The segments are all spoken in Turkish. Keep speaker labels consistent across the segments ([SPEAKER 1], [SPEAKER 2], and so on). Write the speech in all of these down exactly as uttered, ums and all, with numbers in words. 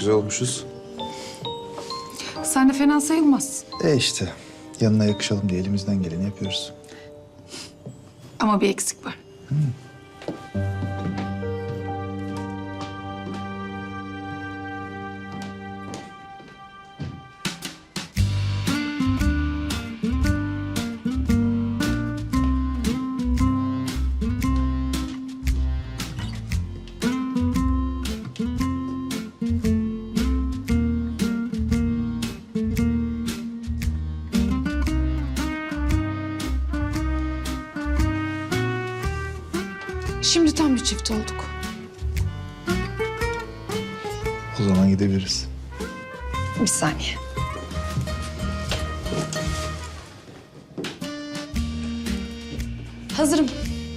[SPEAKER 1] güzel olmuşuz.
[SPEAKER 2] Sen de fena sayılmaz.
[SPEAKER 1] E işte yanına yakışalım diye elimizden geleni yapıyoruz.
[SPEAKER 2] Ama bir eksik var. Şimdi tam bir çift olduk.
[SPEAKER 1] O zaman gidebiliriz.
[SPEAKER 2] Bir saniye. Hazırım.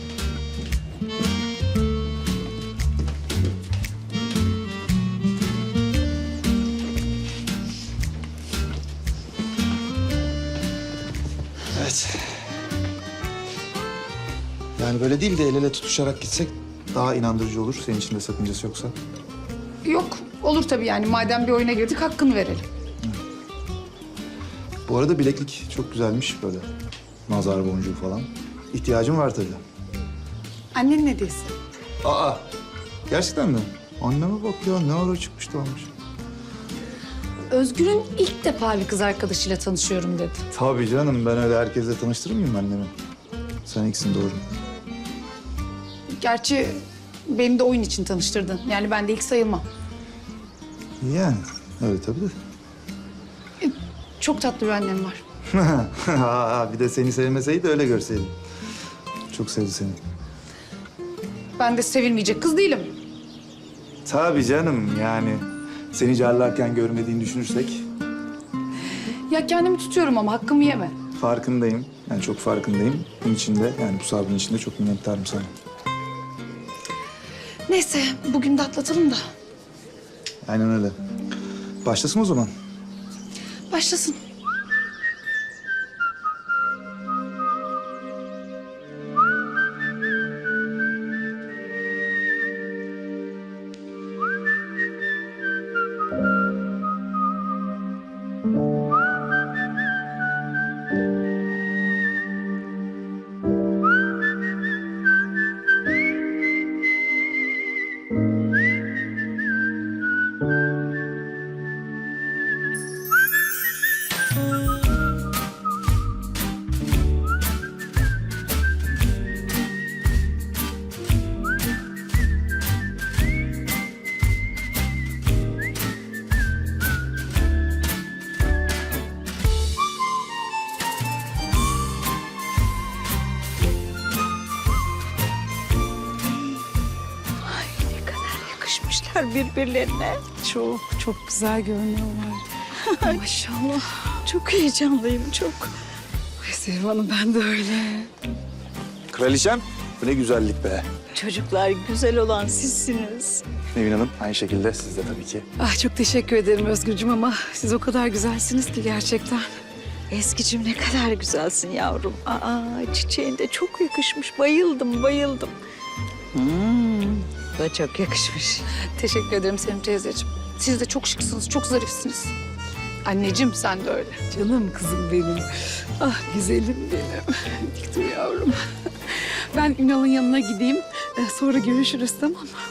[SPEAKER 1] Evet. Yani böyle değil de el ele tutuşarak gitsek daha inandırıcı olur. Senin için de sakıncası yoksa.
[SPEAKER 2] Yok, olur tabii yani. Madem bir oyuna girdik hakkını verelim.
[SPEAKER 1] Bu arada bileklik çok güzelmiş böyle. Nazar boncuğu falan. İhtiyacım var tabii.
[SPEAKER 2] Annenin hediyesi.
[SPEAKER 1] Aa, gerçekten mi? Anneme bak ya, ne ara çıkmış da almış.
[SPEAKER 2] Özgür'ün ilk defa bir kız arkadaşıyla tanışıyorum dedi.
[SPEAKER 1] Tabii canım, ben öyle herkesle tanıştırır mıyım annemi? Sen ilksin, doğru.
[SPEAKER 2] Gerçi beni de oyun için tanıştırdın. Yani ben de ilk sayılmam.
[SPEAKER 1] Yani öyle tabii de.
[SPEAKER 2] Çok tatlı bir annem var.
[SPEAKER 1] Aa, bir de seni sevmeseydi öyle görseydim. Çok sevdi seni.
[SPEAKER 2] Ben de sevilmeyecek kız değilim.
[SPEAKER 1] Tabii canım, yani seni carlarken görmediğini düşünürsek
[SPEAKER 2] Ya kendimi tutuyorum ama hakkımı yeme.
[SPEAKER 1] farkındayım. Yani çok farkındayım. Bunun için de, yani bu sabrın için de çok minnettarım sana.
[SPEAKER 2] Neyse bugün de atlatalım da.
[SPEAKER 1] Aynen öyle. Başlasın o zaman.
[SPEAKER 2] Başlasın.
[SPEAKER 3] Yakışmışlar birbirlerine.
[SPEAKER 2] Çok çok güzel görünüyorlar. Maşallah.
[SPEAKER 3] Çok heyecanlıyım, çok.
[SPEAKER 2] Ay Sevim Hanım ben de öyle.
[SPEAKER 1] Kraliçem, bu ne güzellik be.
[SPEAKER 3] Çocuklar güzel olan sizsiniz.
[SPEAKER 1] Nevin Hanım, aynı şekilde siz de tabii ki.
[SPEAKER 2] Ah çok teşekkür ederim Özgürcüğüm ama siz o kadar güzelsiniz ki gerçekten.
[SPEAKER 3] Eskicim ne kadar güzelsin yavrum. Aa, çiçeğin de çok yakışmış. Bayıldım, bayıldım. Hmm, bu da çok yakışmış.
[SPEAKER 2] Teşekkür ederim Sevim teyzeciğim. Siz de çok şıksınız, çok zarifsiniz. Anneciğim sen de öyle. Canım kızım benim. Ah güzelim benim. Dik dur yavrum. Ben Ünal'ın yanına gideyim. Ee, Sonra görüşürüz tamam mı?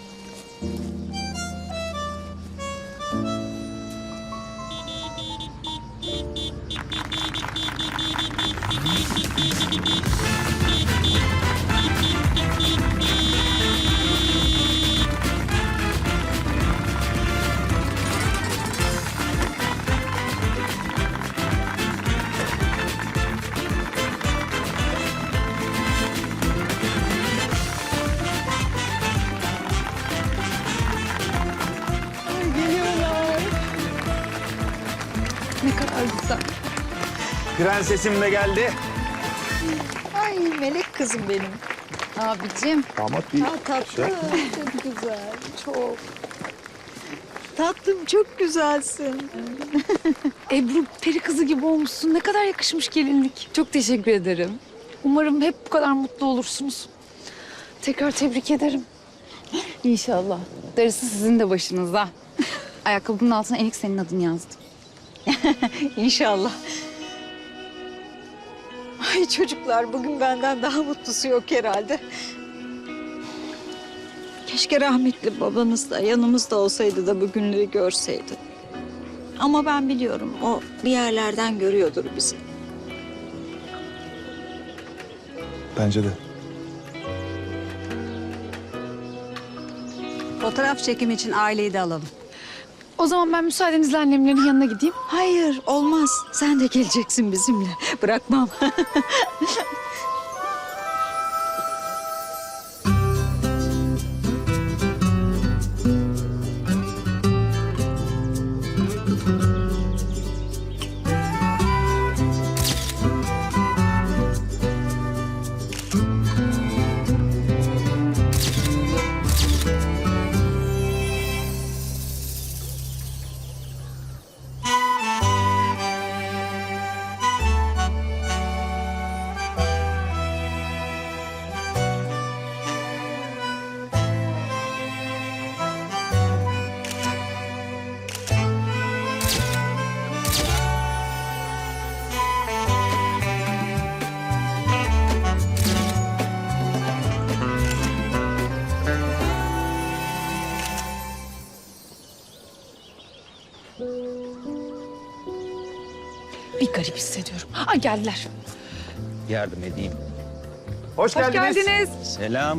[SPEAKER 2] Ne kadar güzel.
[SPEAKER 1] Prensesim de geldi.
[SPEAKER 3] Ay melek kızım benim.
[SPEAKER 2] Abicim.
[SPEAKER 1] Damat bir
[SPEAKER 3] Aa, tatlı, çok güzel, çok. Tatlım çok güzelsin.
[SPEAKER 2] Ebru peri kızı gibi olmuşsun. Ne kadar yakışmış gelinlik. Çok teşekkür ederim. Umarım hep bu kadar mutlu olursunuz. Tekrar tebrik ederim. İnşallah. Darısı sizin de başınıza. Ayakkabımın altına Enik senin adını yazdım.
[SPEAKER 3] İnşallah. Ay çocuklar, bugün benden daha mutlusu yok herhalde. Keşke rahmetli babanız da yanımızda olsaydı da bu günleri görseydi. Ama ben biliyorum, o bir yerlerden görüyordur bizi.
[SPEAKER 1] Bence de.
[SPEAKER 4] Fotoğraf çekimi için aileyi de alalım.
[SPEAKER 2] O zaman ben müsaadenizle annemlerin yanına gideyim.
[SPEAKER 3] Hayır, olmaz. Sen de geleceksin bizimle. Bırakmam.
[SPEAKER 2] Bir garip hissediyorum. Aa geldiler.
[SPEAKER 5] Yardım edeyim.
[SPEAKER 1] Hoş,
[SPEAKER 2] Hoş geldiniz.
[SPEAKER 5] Selam.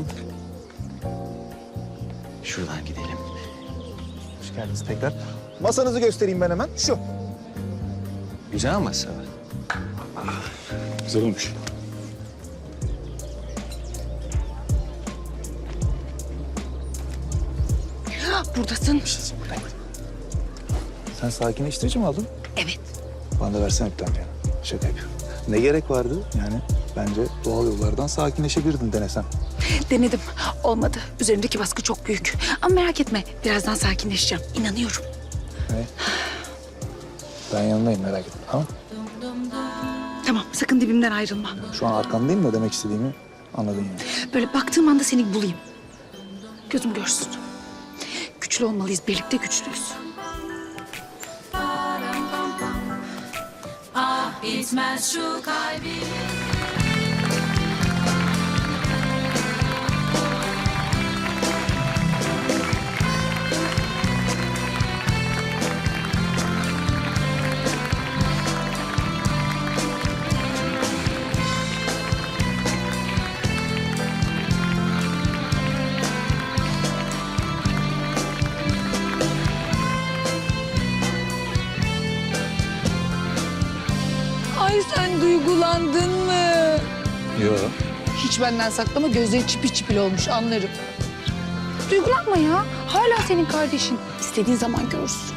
[SPEAKER 5] Şuradan gidelim.
[SPEAKER 1] Hoş geldiniz tekrar. Masanızı göstereyim ben hemen. Şu.
[SPEAKER 5] Güzel masa.
[SPEAKER 1] Güzel olmuş.
[SPEAKER 2] Buradasın.
[SPEAKER 1] Sen sakinleştirici mi aldın?
[SPEAKER 2] Evet.
[SPEAKER 1] Bana da versene bir tane ya. Şaka yapıyorum. Ne gerek vardı? Yani bence doğal yollardan sakinleşebilirdin denesem.
[SPEAKER 2] Denedim. Olmadı. Üzerimdeki baskı çok büyük. Ama merak etme. Birazdan sakinleşeceğim. İnanıyorum.
[SPEAKER 1] Ne? Ben yanındayım, merak etme, tamam?
[SPEAKER 2] Tamam. Sakın dibimden ayrılma.
[SPEAKER 1] Şu an arkandayım da demek istediğimi anladın yani.
[SPEAKER 2] Böyle baktığım anda seni bulayım. Gözüm görsün. Güçlü olmalıyız. Birlikte güçlüyüz.
[SPEAKER 6] Bitmez şu kalbim.
[SPEAKER 2] Ay sen duygulandın mı?
[SPEAKER 1] Yok.
[SPEAKER 2] Hiç benden saklama. Gözleri çipil çipil olmuş anlarım. Duygulanma ya. Hala senin kardeşin. İstediğin zaman görürsün.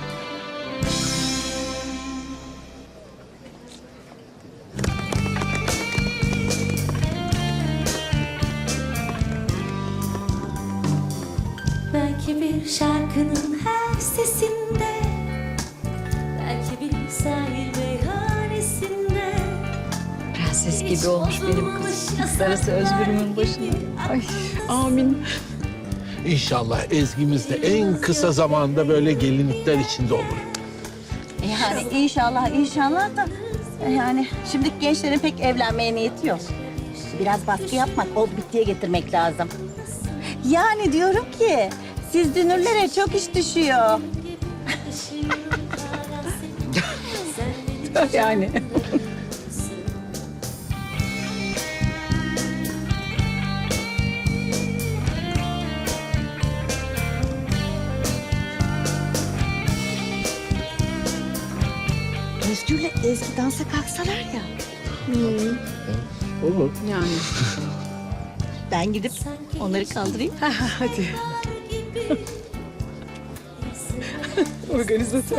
[SPEAKER 6] Belki bir şarkının her sesinde, belki bir sahil meyhanesinde.
[SPEAKER 3] Prenses gibi olmuş benim kızım. Darısı Özgür'ümün başına.
[SPEAKER 2] Ay amin.
[SPEAKER 7] İnşallah Ezgi'miz de en kısa zamanda böyle gelinlikler içinde olur.
[SPEAKER 4] Yani inşallah inşallah da yani şimdiki gençlerin pek evlenmeye niyeti yok. Biraz baskı yapmak, o bittiye getirmek lazım. Yani diyorum ki siz dünürlere çok iş düşüyor.
[SPEAKER 2] Yani.
[SPEAKER 4] Özgür'le Ezgi dansa kalksalar ya.
[SPEAKER 7] Olur.
[SPEAKER 2] Yani.
[SPEAKER 4] Ben gidip onları kaldırayım.
[SPEAKER 2] Hadi. Organizatör.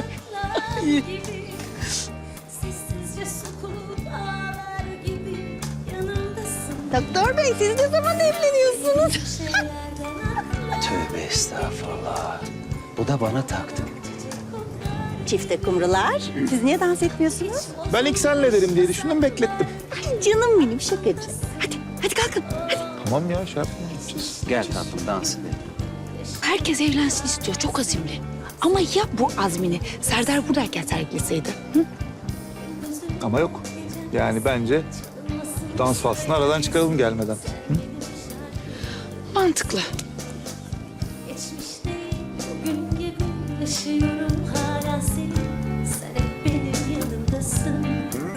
[SPEAKER 6] Sessizce sokup ağlar gibi yanımdasın.
[SPEAKER 4] Doktor Bey siz ne zaman evleniyorsunuz?
[SPEAKER 5] Tövbe estağfurullah. Bu da bana taktı.
[SPEAKER 4] Çifte kumrular. Siz niye dans etmiyorsunuz?
[SPEAKER 1] Ben ilk senle derim diye düşündüm, beklettim.
[SPEAKER 4] Ay canım benim şakacı. Hadi, hadi kalkın. Hadi.
[SPEAKER 1] Tamam ya, şey yapmayacağız.
[SPEAKER 5] Gel tatlım dans edelim.
[SPEAKER 2] Herkes evlensin istiyor. Çok azimli. Ama ya bu azmini Serdar buradayken sergileseydi? Hı?
[SPEAKER 1] Ama yok. Yani bence dans faslını aradan çıkaralım gelmeden.
[SPEAKER 2] Mantıklı.
[SPEAKER 6] Geçmiş değil, bugün gibi yaşıyorum hala seni. Sen hep benim yanımdasın.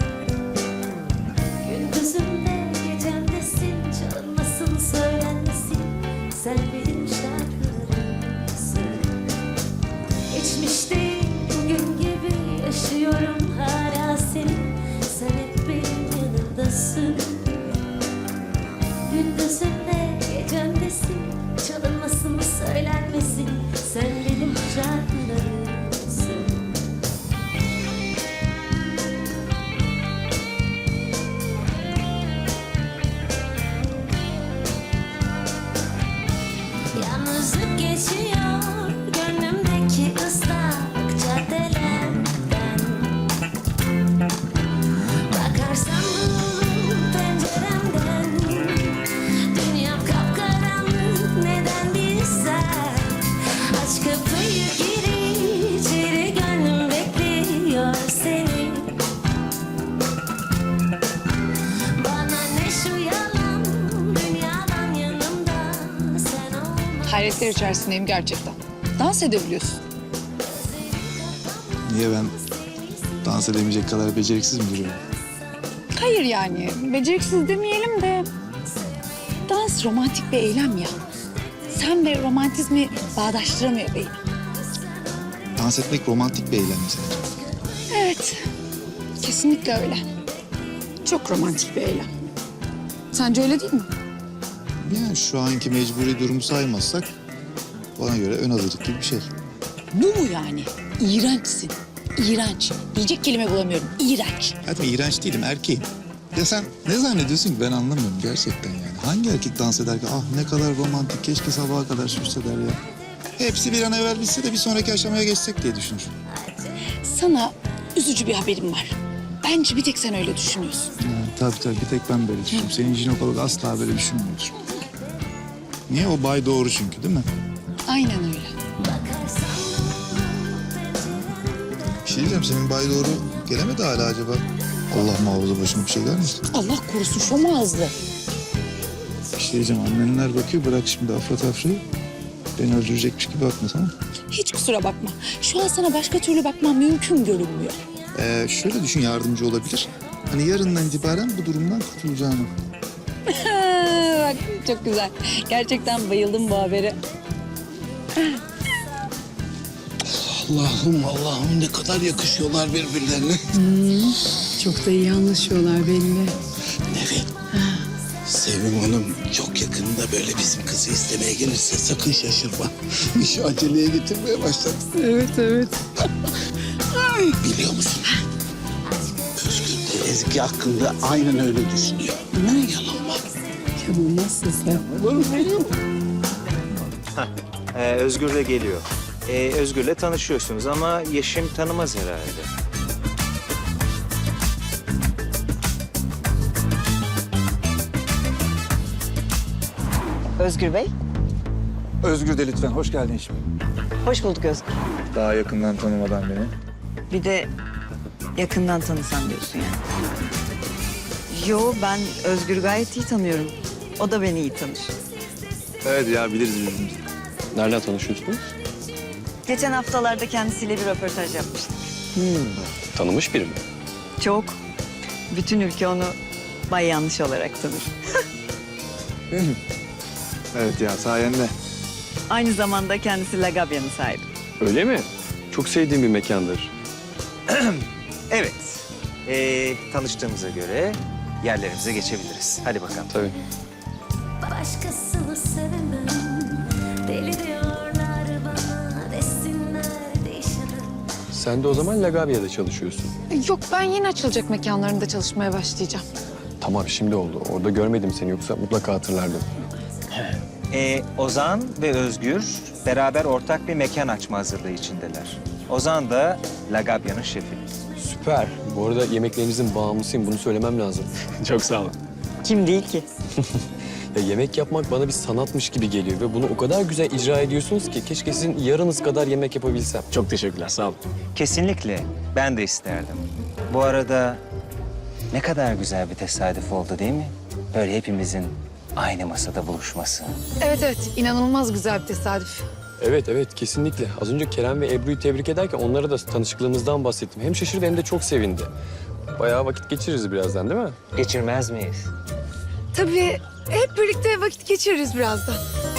[SPEAKER 6] Gündüzümde, gecemdesin. Çalınmasın, söylenmesin. Sen benim şarkılarımsın. Geçmiş değil, bugün gibi yaşıyorum hala seni. Sen hep benim yanımdasın. Gündüzümde, gecemdesin. Çalınmasın, söylenmesin. Sen benim şarkılarımsın. Yalnızlık geçiyor gönlümdeki ıslak caddelerden. Bakarsam bu penceremden, dünya kapkaranlık, neden bilsen. Aç kapıyı, gir içeri, gönlüm bekliyor seni. Bana ne şu yalan, dünyadan yanımda sen olma.
[SPEAKER 2] Hayretler içerisindeyim gerçekten. Dans edebiliyorsun.
[SPEAKER 1] Niye ben dans edemeyecek kadar beceriksiz mi duruyorum?
[SPEAKER 2] Hayır yani beceriksiz demeyelim de dans romantik bir eylem ya. Sen ve romantizmi bağdaştıramıyor beyim.
[SPEAKER 1] Dans etmek romantik bir eylem mesela.
[SPEAKER 2] Evet, kesinlikle öyle. Çok romantik bir eylem. Sence öyle değil mi?
[SPEAKER 1] Yani şu anki mecburi durumu saymazsak bana göre ön hazırlık gibi bir şey.
[SPEAKER 2] Bu mu yani? İğrençsin. İğrenç. Diyecek kelime bulamıyorum. İğrenç.
[SPEAKER 1] Hadi iğrenç değilim, erkeğim. Ya sen ne zannediyorsun ki ben anlamıyorum gerçekten yani. Hangi erkek dans eder ki ah ne kadar romantik keşke sabaha kadar sürse der ya. Hepsi bir an evvel bitse de bir sonraki aşamaya geçsek diye düşünür.
[SPEAKER 2] Sana üzücü bir haberim var. Bence bir tek sen öyle düşünüyorsun.
[SPEAKER 1] Ha, tabii tabii bir tek ben böyle düşünüyorum. Senin jinekolog asla böyle düşünmüyordur. Niye? O bay doğru çünkü değil mi?
[SPEAKER 2] Aynen öyle.
[SPEAKER 1] Bir şey diyeceğim senin bay doğru gelemedi hala acaba. Allah muhafaza başıma bir şey gelmesin.
[SPEAKER 2] Allah korusun şom ağızlı.
[SPEAKER 1] Bir şey diyeceğim annenler bakıyor bırak şimdi afra tafrayı. Beni öldürecekmiş gibi bakma tamam mı?
[SPEAKER 2] Hiç kusura bakma. Şu an sana başka türlü bakmam mümkün görünmüyor.
[SPEAKER 1] Ee, şöyle düşün yardımcı olabilir. Hani yarından itibaren bu durumdan kurtulacağını.
[SPEAKER 2] Bak çok güzel. Gerçekten bayıldım bu habere.
[SPEAKER 7] Allah'ım Allah'ım ne kadar yakışıyorlar birbirlerine.
[SPEAKER 2] Çok da iyi anlaşıyorlar belli.
[SPEAKER 7] Evet. Sevim Hanım çok yakında böyle bizim kızı istemeye gelirse sakın şaşırma. İşi aceleye getirmeye başladı.
[SPEAKER 2] Evet evet.
[SPEAKER 7] Biliyor musun? Özgür de Ezgi hakkında aynen öyle düşünüyor. Ne yalan var.
[SPEAKER 2] Canım nasılsın?
[SPEAKER 5] Ee, Özgür de geliyor. Ee, Özgür'le tanışıyorsunuz ama Yeşim tanımaz herhalde.
[SPEAKER 3] Özgür Bey,
[SPEAKER 1] Özgür de lütfen hoş geldin şimdi.
[SPEAKER 3] hoş bulduk Özgür.
[SPEAKER 1] Daha yakından tanımadan beni.
[SPEAKER 3] Bir de yakından tanısan diyorsun yani. Yo, ben Özgür'ü gayet iyi tanıyorum. O da beni iyi tanır.
[SPEAKER 1] Evet ya biliriz birbirimizi.
[SPEAKER 8] Nereden tanışıyorsunuz?
[SPEAKER 3] Geçen haftalarda kendisiyle bir röportaj yapmıştık.
[SPEAKER 8] Tanımış biri mi?
[SPEAKER 3] Çok. Bütün ülke onu Bay Yanlış olarak tanır.
[SPEAKER 1] Evet ya sayende.
[SPEAKER 3] Aynı zamanda kendisi Lagabya'nın sahibi.
[SPEAKER 8] Öyle mi? Çok sevdiğim bir mekandır.
[SPEAKER 5] Evet. Ee, tanıştığımıza göre yerlerimize geçebiliriz. Hadi bakalım.
[SPEAKER 8] Tabii.
[SPEAKER 6] Başkasını sevemem. Deli diyorlar bana, desinler değişemem.
[SPEAKER 8] Sen de o zaman Lagabya'da çalışıyorsun.
[SPEAKER 2] Yok ben yeni açılacak mekanlarında çalışmaya başlayacağım.
[SPEAKER 8] Tamam şimdi oldu. Orada görmedim seni yoksa mutlaka hatırlardım.
[SPEAKER 5] Ee, Ozan ve Özgür beraber ortak bir mekan açma hazırlığı içindeler. Ozan da Lagabya'nın şefi.
[SPEAKER 8] Süper. Bu arada yemeklerinizin bağımlısıyım. Bunu söylemem lazım. Çok sağ olun.
[SPEAKER 3] Kim değil ki?
[SPEAKER 8] Ya yemek yapmak bana bir sanatmış gibi geliyor ve bunu o kadar güzel icra ediyorsunuz ki keşke sizin yarınız kadar yemek yapabilsem.
[SPEAKER 9] Çok teşekkürler, sağ olun.
[SPEAKER 5] Kesinlikle. Ben de isterdim. Bu arada ne kadar güzel bir tesadüf oldu değil mi? Böyle hepimizin aynı masada buluşması.
[SPEAKER 2] Evet evet, inanılmaz güzel bir tesadüf.
[SPEAKER 8] Evet evet kesinlikle. Az önce Kerem ve Ebru'yu tebrik ederken onlara da tanışıklığımızdan bahsettim. Hem şaşırdı hem de çok sevindi. Bayağı vakit geçiririz birazdan değil mi?
[SPEAKER 5] Geçirmez miyiz?
[SPEAKER 2] Tabii hep birlikte vakit geçiririz birazdan.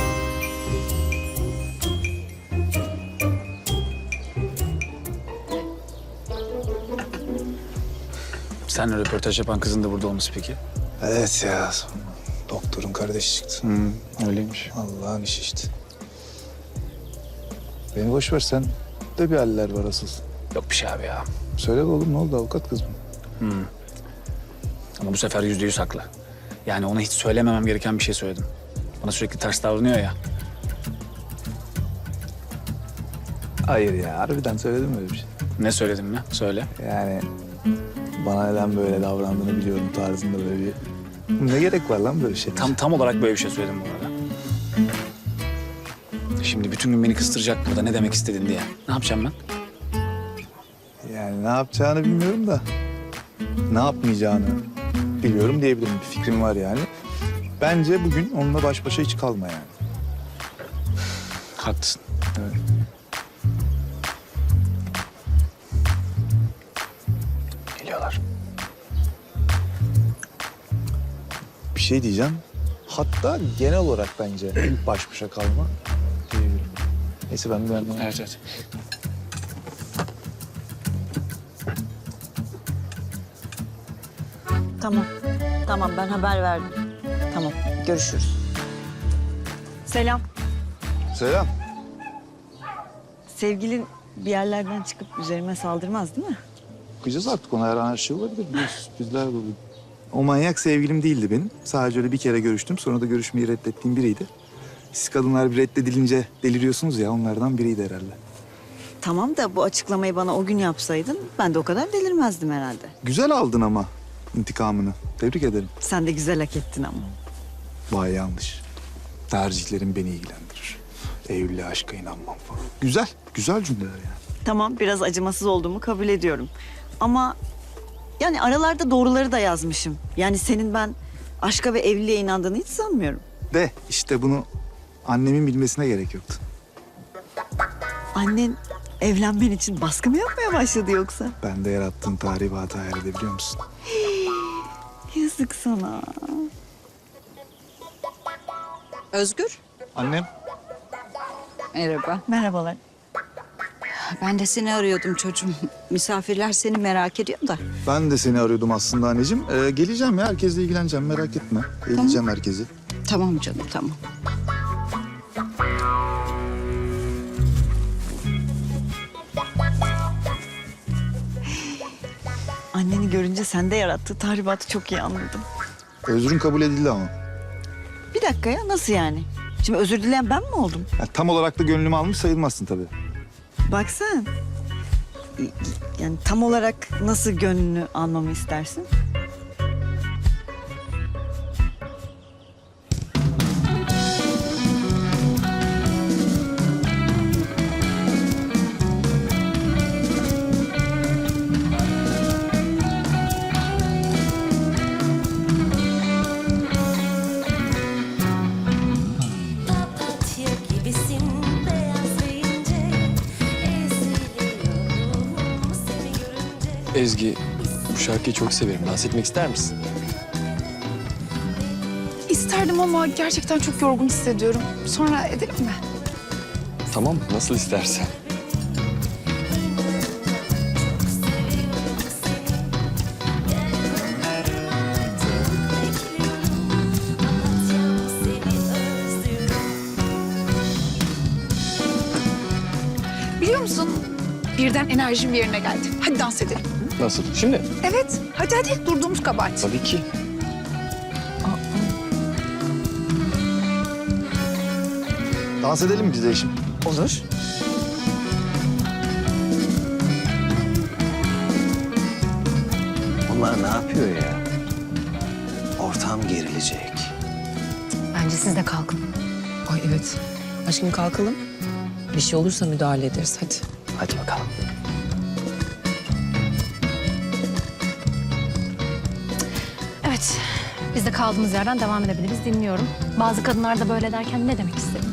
[SPEAKER 9] Sen röportaj yapan kızın da burada olması peki?
[SPEAKER 1] Evet ya. Doktorun kardeşi çıktı.
[SPEAKER 9] Hı, öyleymiş.
[SPEAKER 1] Allah'ın işi işte. Beni boş ver, sen de bir haller var asıl.
[SPEAKER 9] Yok bir şey abi ya.
[SPEAKER 1] Söyle be oğlum, ne oldu, avukat kız mı?
[SPEAKER 9] Ama bu sefer yüzde yüz haklı. Yani ona hiç söylememem gereken bir şey söyledim. Bana sürekli ters davranıyor ya.
[SPEAKER 1] Hayır ya, harbiden söyledim mi öyle bir şey?
[SPEAKER 9] Ne söyledim mi? Söyle.
[SPEAKER 1] Yani bana neden böyle davrandığını biliyorum tarzında böyle bir... Ne gerek var lan böyle şey?
[SPEAKER 9] Tam tam olarak böyle bir şey söyledim bu arada. Şimdi bütün gün beni kıstıracak burada ne demek istedin diye. Ne yapacağım ben?
[SPEAKER 1] Yani ne yapacağını bilmiyorum da ne yapmayacağını biliyorum diyebilirim. Bir fikrim var yani. Bence bugün onunla baş başa hiç kalma yani.
[SPEAKER 9] Haklısın.
[SPEAKER 1] Evet.
[SPEAKER 9] Geliyorlar.
[SPEAKER 1] Bir şey diyeceğim. Hatta genel olarak bence baş başa kalma diyebilirim. Neyse ben de ben de-
[SPEAKER 9] Evet evet.
[SPEAKER 3] Tamam. Tamam ben haber verdim. Tamam görüşürüz. Selam.
[SPEAKER 1] Selam.
[SPEAKER 3] Sevgilin bir yerlerden çıkıp üzerime saldırmaz değil mi?
[SPEAKER 1] Bakacağız artık, ona her an her şey olabilir. Biliyorsun, sürprizler olur. O manyak sevgilim değildi benim. Sadece öyle bir kere görüştüm. Sonra da görüşmeyi reddettiğim biriydi. Siz kadınlar bir reddedilince deliriyorsunuz ya, onlardan biriydi herhalde.
[SPEAKER 3] Tamam da bu açıklamayı bana o gün yapsaydın ben de o kadar delirmezdim herhalde.
[SPEAKER 1] Güzel aldın ama intikamını. Tebrik ederim.
[SPEAKER 3] Sen de güzel hak ettin ama.
[SPEAKER 1] Vay yanlış. Tercihlerim beni ilgilendirir. Eylül'le aşka inanmam falan. Güzel, güzel cümleler yani.
[SPEAKER 3] Tamam biraz acımasız olduğumu kabul ediyorum. Ama yani aralarda doğruları da yazmışım. Yani senin ben aşka ve evliliğe inandığını hiç sanmıyorum.
[SPEAKER 1] De işte bunu annemin bilmesine gerek yoktu.
[SPEAKER 3] Annen evlenmen için baskı mı yapmaya başladı yoksa?
[SPEAKER 1] Ben de yarattığın tahribatı hayal edebiliyor musun?
[SPEAKER 3] Yazık sana. Özgür.
[SPEAKER 1] Annem.
[SPEAKER 3] Merhaba. Merhabalar. Ben de seni arıyordum çocuğum. Misafirler seni merak ediyor da.
[SPEAKER 1] Ben de seni arıyordum aslında anneciğim. Ee, geleceğim ya, herkesle ilgileneceğim, merak etme. Geleceğim herkesi.
[SPEAKER 3] Tamam canım tamam. Anneni görünce sende yarattığı tahribatı çok iyi anladım.
[SPEAKER 1] Özrün kabul edildi ama.
[SPEAKER 3] Bir dakika ya nasıl yani? Şimdi özür dileyen ben mi oldum?
[SPEAKER 1] Ya, tam olarak da gönlümü almış sayılmazsın tabii.
[SPEAKER 3] Bak sen. Yani tam olarak nasıl gönlünü almamı istersin?
[SPEAKER 6] Papatya gibisin beyaz ve ince. Eziliyorum seni görünce.
[SPEAKER 8] Ezgi, bu şarkıyı çok severim. Dans etmek ister misin?
[SPEAKER 2] İsterdim ama gerçekten çok yorgun hissediyorum. Sonra edelim mi?
[SPEAKER 8] Tamam, nasıl istersen.
[SPEAKER 2] Biliyor musun? Birden enerjim yerine geldi. Hadi dans edelim.
[SPEAKER 8] Nasıl? Şimdi?
[SPEAKER 2] Evet, hadi hadi. Durduğumuz kabahat.
[SPEAKER 8] Tabii ki.
[SPEAKER 1] Dans edelim mi biz de eşim?
[SPEAKER 3] Olur.
[SPEAKER 5] Bunlar ne yapıyor ya? Ortam gerilecek.
[SPEAKER 2] Bence siz de kalkın.
[SPEAKER 10] Ay evet. Aşkım kalkalım. Bir şey olursa müdahale ederiz hadi.
[SPEAKER 9] Hadi bakalım.
[SPEAKER 11] Evet, biz de kaldığımız yerden devam edebiliriz. Dinliyorum. Bazı kadınlar da böyle derken ne demek istedim?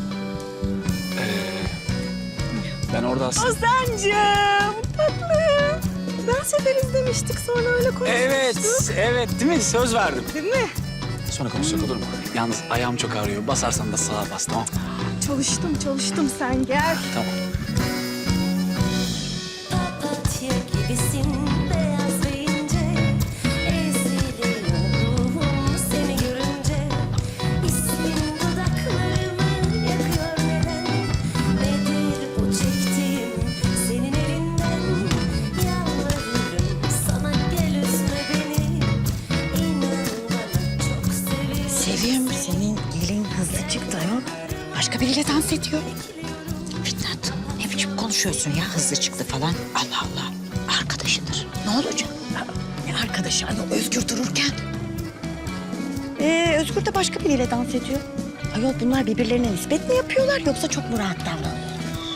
[SPEAKER 9] Ben orada aslında...
[SPEAKER 4] Ozancığım tatlım. Dans ederiz demiştik sonra öyle konuşmuştuk.
[SPEAKER 9] Evet, evet değil mi? Söz verdim. Değil mi? Sonra konuşacak olur mu? Yalnız ayağım çok ağrıyor. Basarsan da sağa bas, tamam?
[SPEAKER 4] Çalıştım çalıştım sen gel.
[SPEAKER 9] Tamam.
[SPEAKER 6] Papatya gibisin beyaz ve ince, eziliyor ruhum seni görünce. İsmin dudaklarımı yakıyor neden? Nedir bu çektiğim senin elinden? Yalvarırım sana gel üzme beni. İnan bana çok seviyorum.
[SPEAKER 4] Sevim senin gelin hızlı çıktı ayol. Başka biriyle dans ediyor.
[SPEAKER 3] Fitnat, ne biçim konuşuyorsun ya hızlı çıktı falan. Allah Allah, arkadaşıdır. Ne olacak?
[SPEAKER 4] Ne arkadaşı ayol Özgür dururken. Ee, Özgür de başka biriyle dans ediyor. Ayol bunlar birbirlerine nispet mi yapıyorlar yoksa çok mu rahat davranıyor?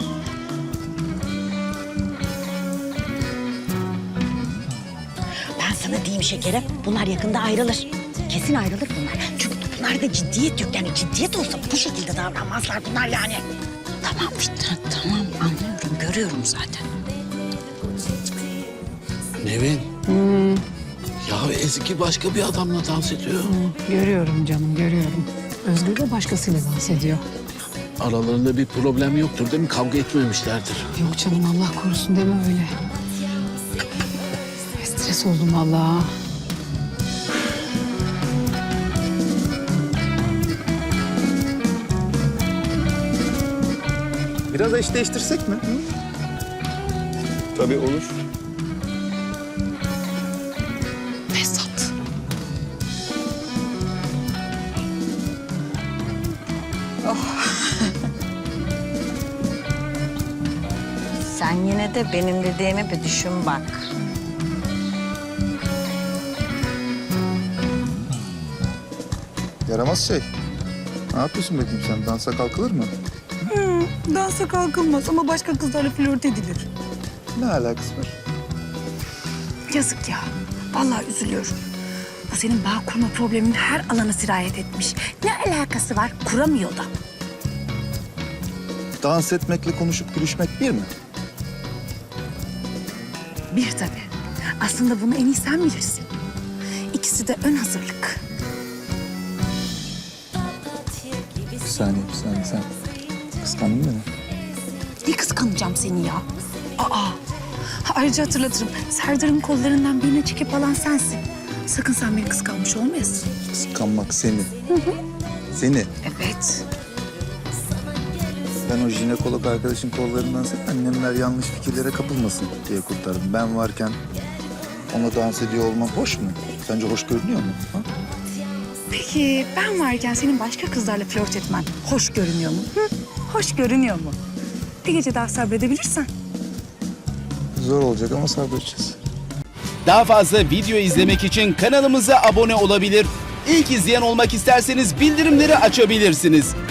[SPEAKER 4] Ben sana diyeyim şekerim, bunlar yakında ayrılır. Kesin ayrılır bunlar. Çünkü bunlarda ciddiyet yok. Yani ciddiyet olsa bu şekilde davranmazlar bunlar yani.
[SPEAKER 3] Tamam Fitnat, tamam anlıyorum, görüyorum zaten.
[SPEAKER 7] Nevin. Ya Ezgi başka bir adamla dans ediyor.
[SPEAKER 2] Görüyorum canım, görüyorum. Özgür de başkasıyla dans ediyor.
[SPEAKER 7] Aralarında bir problem yoktur değil mi? Kavga etmemişlerdir.
[SPEAKER 2] Yok canım, Allah korusun deme öyle. Stres oldum vallahi.
[SPEAKER 1] Biraz eş değiştirsek mi? Hı?
[SPEAKER 8] Tabii olur.
[SPEAKER 2] Fesat.
[SPEAKER 3] Sen yine de benim dediğimi bir düşün bak.
[SPEAKER 1] Yaramaz şey. Ne yapıyorsun bakayım sen? Dansa kalkılır mı?
[SPEAKER 4] Dansa kalkılmaz ama başka kızlarla flört edilir.
[SPEAKER 1] Ne alakası var?
[SPEAKER 12] Yazık ya. Vallahi üzülüyorum. Bu senin bağ kurma problemin her alana sirayet etmiş. Ne alakası var? Kuramıyor da.
[SPEAKER 1] Dans etmekle konuşup gülüşmek bir mi?
[SPEAKER 12] Bir tabii. Aslında bunu en iyi sen bilirsin. İkisi de ön hazırlık.
[SPEAKER 1] Bir saniye, bir saniye sen. Kıskandın mı beni?
[SPEAKER 12] Ne kıskanacağım seni ya? Aa. Ha, ayrıca hatırlatırım. Serdar'ın kollarından birini çekip alan sensin. Sakın sen beni kıskanmış olmayasın.
[SPEAKER 1] Kıskanmak seni. Seni.
[SPEAKER 12] Evet.
[SPEAKER 1] Ben o jinekolog arkadaşın kollarından sen annemler yanlış fikirlere kapılmasın diye kurtardım. Ben varken ona dans ediyor olmam hoş mu? Sence hoş görünüyor mu? Ha?
[SPEAKER 12] Peki ben varken senin başka kızlarla flört etmen hoş görünüyor mu? Hı? Hoş görünüyor mu? Bir gece daha sabredebilirsen.
[SPEAKER 1] Zor olacak ama sabredeceğiz.
[SPEAKER 13] Daha fazla video izlemek için kanalımıza abone olabilir. İlk izleyen olmak isterseniz bildirimleri açabilirsiniz.